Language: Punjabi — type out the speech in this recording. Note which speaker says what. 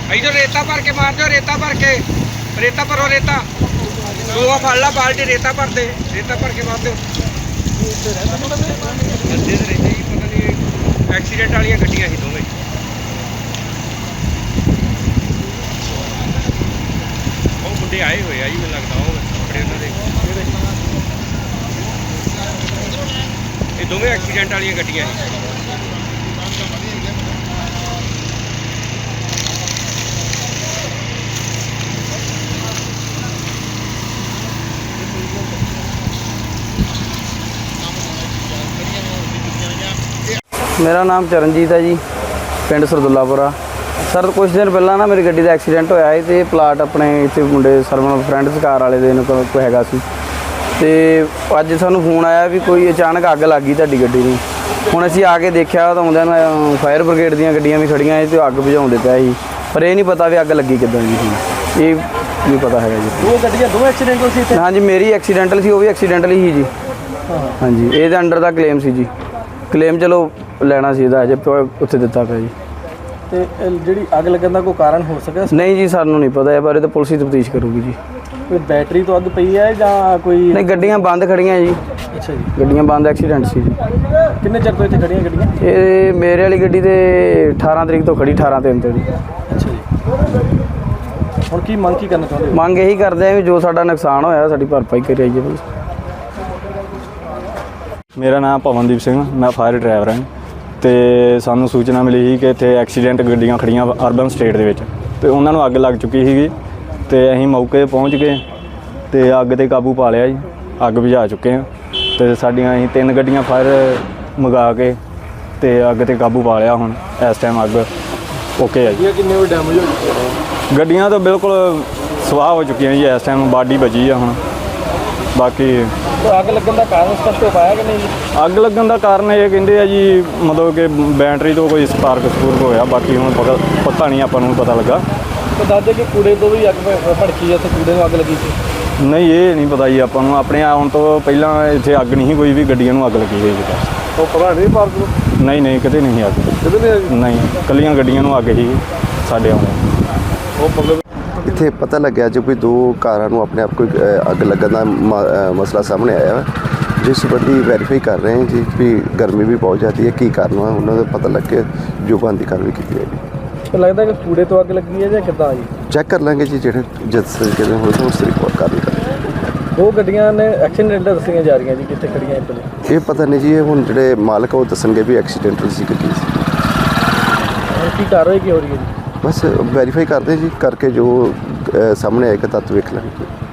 Speaker 1: इधर रेता भर के मार दो, रेता भर के, रेता भरो, रेता दो फड़ ला बाल्टी रेता भर दे, रेता भर के मार दो। एक्सीडेंट वाली गड्डियां ही दोवें मुंडे आए हुए जी, मैं लगता वो कपड़े उन्होंने ये दोवें एक्सीडेंट वाली गड्डियां ही।
Speaker 2: मेरा नाम चरणजीत है जी, पिंड सरदुल्लापुरा। सर कुछ दिन पहला ना मेरी गड्डी का एक्सीडेंट होया है तो प्लाट अपने इतने मुंडे सरवन फ्रेंड्स कार वाले दिन कोई हैगा सी ते अज सानू फोन आया भी कोई अचानक अग लग गई तुहाडी गड्डी नूं। हुण असीं आके देखिया तो आउंदियां फायर ब्रिगेड दीयां गड्डियां भी खड़ियां ते अग बुझाउंदे पिया सी, पर ये नहीं पता भी अग लगी किदां जी, ये नहीं पता है जी।
Speaker 3: दो गड्डियां दो एक्सीडेंटल सी इत्थे?
Speaker 2: हाँ जी, मेरी एक्सीडेंटल सी, वो भी एक्सीडेंटल ही जी। हाँ जी, ये अंडर का क्लेम सी जी, क्लेम चलो ਲੈਣਾ ਸੀ ਇਹਦਾ ਅਜੇ ਉੱਥੇ ਦਿੱਤਾ ਪਿਆ ਜੀ।
Speaker 3: ਤੇ ਜਿਹੜੀ ਅੱਗ ਲੱਗਣ ਦਾ ਕੋਈ ਕਾਰਨ ਹੋ ਸਕਿਆ?
Speaker 2: ਨਹੀਂ ਜੀ, ਸਾਨੂੰ ਨਹੀਂ ਪਤਾ ਇਹ ਬਾਰੇ, ਤਾਂ ਪੁਲਿਸ ਹੀ ਤਫਤੀਸ਼ ਕਰੂਗੀ ਜੀ।
Speaker 3: ਕੋਈ ਬੈਟਰੀ ਤੋਂ ਅੱਗ ਪਈ ਹੈ ਜਾਂ ਕੋਈ?
Speaker 2: ਨਹੀਂ, ਗੱਡੀਆਂ ਬੰਦ ਖੜੀਆਂ ਜੀ।
Speaker 3: ਅੱਛਾ ਜੀ,
Speaker 2: ਗੱਡੀਆਂ ਬੰਦ, ਐਕਸੀਡੈਂਟ ਸੀ ਜੀ।
Speaker 3: ਕਿੰਨੇ ਚਿਰ ਤੋਂ ਇੱਥੇ ਖੜੀਆਂ ਗੱਡੀਆਂ?
Speaker 2: ਇਹ ਮੇਰੇ ਵਾਲੀ ਗੱਡੀ ਤੇ 18 ਤਰੀਕ ਤੋਂ ਖੜੀ, 18/3 ਤੋਂ ਜੀ।
Speaker 3: ਅੱਛਾ ਜੀ, ਹੁਣ ਕੀ ਮੰਗ ਕੀ ਕਰਨਾ ਚਾਹੁੰਦੇ ਹੋ?
Speaker 2: ਮੰਗ ਇਹੀ ਕਰਦੇ ਆ ਵੀ ਜੋ ਸਾਡਾ ਨੁਕਸਾਨ ਹੋਇਆ ਸਾਡੀ ਭਰਪਾਈ ਕਰੀ ਜਾਈਏ ਪੁਲਿਸ।
Speaker 4: ਮੇਰਾ ਨਾਮ ਪਵਨਦੀਪ ਸਿੰਘ, ਮੈਂ ਫਾਇਰ ਡਰਾਈਵਰ ਹਾਂ ਤੇ ਸਾਨੂੰ ਸੂਚਨਾ ਮਿਲੀ ਸੀ ਕਿ ਇੱਥੇ ਐਕਸੀਡੈਂਟ ਗੱਡੀਆਂ ਖੜੀਆਂ ਅਰਬਨ ਸਟੇਟ ਦੇ ਵਿੱਚ ਤੇ ਉਹਨਾਂ ਨੂੰ ਅੱਗ ਲੱਗ ਚੁੱਕੀ ਸੀਗੀ ਤੇ ਅਸੀਂ ਮੌਕੇ 'ਤੇ ਪਹੁੰਚ ਗਏ ਤੇ ਅੱਗ 'ਤੇ ਕਾਬੂ ਪਾ ਲਿਆ ਜੀ, ਅੱਗ ਬੁਝਾ ਚੁੱਕੇ ਹਾਂ ਤੇ ਸਾਡੀਆਂ ਅਸੀਂ 3 ਗੱਡੀਆਂ ਫਾਇਰ ਮੰਗਾ ਕੇ ਤੇ ਅੱਗ 'ਤੇ ਕਾਬੂ ਪਾ ਲਿਆ। ਹੁਣ ਇਸ ਟਾਈਮ ਅੱਗ ਓਕੇ ਆ ਜੀ।
Speaker 3: ਕਿੰਨੇ ਉਹ ਡੈਮੇਜ ਹੋ ਚੁੱਕੇ?
Speaker 4: ਗੱਡੀਆਂ ਤਾਂ ਬਿਲਕੁਲ ਸਵਾਹ ਹੋ ਚੁੱਕੀਆਂ ਜੀ, ਇਸ ਟਾਈਮ ਬਾਡੀ ਬਚੀ ਆ। ਹੁਣ ਬਾਕੀ
Speaker 3: ਅੱਗ ਲੱਗਣ ਦਾ ਕਾਰਨ ਸਪਸ਼ਟ ਹੋ ਪਾਇਆ ਕਿ ਨਹੀਂ?
Speaker 4: ਅੱਗ ਲੱਗਣ ਦਾ ਕਾਰਨ ਇਹ ਕਹਿੰਦੇ ਆ ਜੀ, ਮਤਲਬ ਕਿ ਬੈਟਰੀ ਤੋਂ ਕੋਈ ਸਪਾਰਕ ਹੋਇਆ, ਬਾਕੀ ਹੁਣ ਪਤਾ ਨਹੀਂ, ਆਪਾਂ ਨੂੰ ਪਤਾ ਲੱਗਾ।
Speaker 3: ਤੇ ਦੱਸਦੇ ਕਿ ਕੂੜੇ ਤੋਂ ਵੀ ਅੱਗ ਭੜਕੀ ਹੈ, ਤੇ ਕੂੜੇ ਨੂੰ ਅੱਗ ਲੱਗੀ ਸੀ?
Speaker 4: ਨਹੀਂ, ਇਹ ਨਹੀਂ ਪਤਾ ਜੀ ਆਪਾਂ ਨੂੰ। ਆਪਣੇ ਆਉਣ ਤੋਂ ਪਹਿਲਾਂ ਇੱਥੇ ਅੱਗ ਨਹੀਂ ਕੋਈ ਵੀ ਗੱਡੀਆਂ ਨੂੰ ਅੱਗ ਲੱਗੀ ਹੋਈ ਜੀ।
Speaker 3: ਉਹ ਪਤਾ ਨਹੀਂ ਪਾਰਕ ਨੂੰ?
Speaker 4: ਨਹੀਂ, ਕਿਤੇ ਨਹੀਂ ਅੱਗ,
Speaker 3: ਕਿਤੇ
Speaker 4: ਨਹੀਂ, ਇਕੱਲੀਆਂ ਗੱਡੀਆਂ ਨੂੰ ਅੱਗ ਹੀ ਸਾਡੇ ਆਉਂਦੇ।
Speaker 3: ਉਹ ਮਤਲਬ
Speaker 5: ਇੱਥੇ ਪਤਾ ਲੱਗਿਆ ਜੀ ਕੋਈ 2 ਕਾਰਾਂ ਨੂੰ ਆਪਣੇ ਆਪ ਕੋਈ ਅੱਗ ਲੱਗਣ ਦਾ ਮਸਲਾ ਸਾਹਮਣੇ ਆਇਆ, ਜਿਸ ਸੰਬੰਧੀ ਵੈਰੀਫਾਈ ਕਰ ਰਹੇ ਹਾਂ ਜੀ ਵੀ ਗਰਮੀ ਵੀ ਬਹੁਤ ਜ਼ਿਆਦਾ ਹੈ, ਕੀ ਕਾਰਨ ਹੈ ਉਹਨਾਂ ਦਾ ਪਤਾ ਲੱਗ ਕੇ ਜੋ ਬਣਦੀ ਕਾਰਵਾਈ ਕੀਤੀ ਜਾਏਗੀ।
Speaker 3: ਲੱਗਦਾ ਕਿ ਕੂੜੇ ਤੋਂ ਅੱਗ ਲੱਗੀ ਹੈ ਜਾਂ ਕਿੱਦਾਂ ਜੀ?
Speaker 5: ਚੈੱਕ ਕਰ ਲਾਂਗੇ ਜੀ, ਜਿਹੜੇ ਜਿਸ ਤਰੀਕੇ ਨਾਲ ਹੋਏ ਉਸ ਤਰੀਕੇ ਨਾਲ ਕਾਰਵਾਈ ਕਰਾਂਗੇ।
Speaker 3: ਉਹ ਗੱਡੀਆਂ ਨੇ ਐਕਸੀਡੈਂਟ ਦੱਸੀਆਂ ਜਾ ਰਹੀਆਂ ਜੀ, ਕਿੱਥੇ ਖੜੀਆਂ ਇੱਥੇ?
Speaker 5: ਇਹ ਪਤਾ ਨਹੀਂ ਜੀ, ਇਹ ਹੁਣ ਜਿਹੜੇ ਮਾਲਕ ਉਹ ਦੱਸਣਗੇ ਵੀ ਐਕਸੀਡੈਂਟਲ ਸੀ ਕਿ ਕੀ ਸੀ।
Speaker 3: ਕੀ ਕਾਰਵਾਈ ਕੀ ਹੋ ਰਹੀ ਹੈ ਜੀ?
Speaker 5: ਬਸ ਵੈਰੀਫਾਈ ਕਰਦੇ ਜੀ, ਕਰਕੇ ਜੋ ਸਾਹਮਣੇ ਆਏਗਾ ਤੱਤ ਵੇਖ ਲਾਂਗੇ।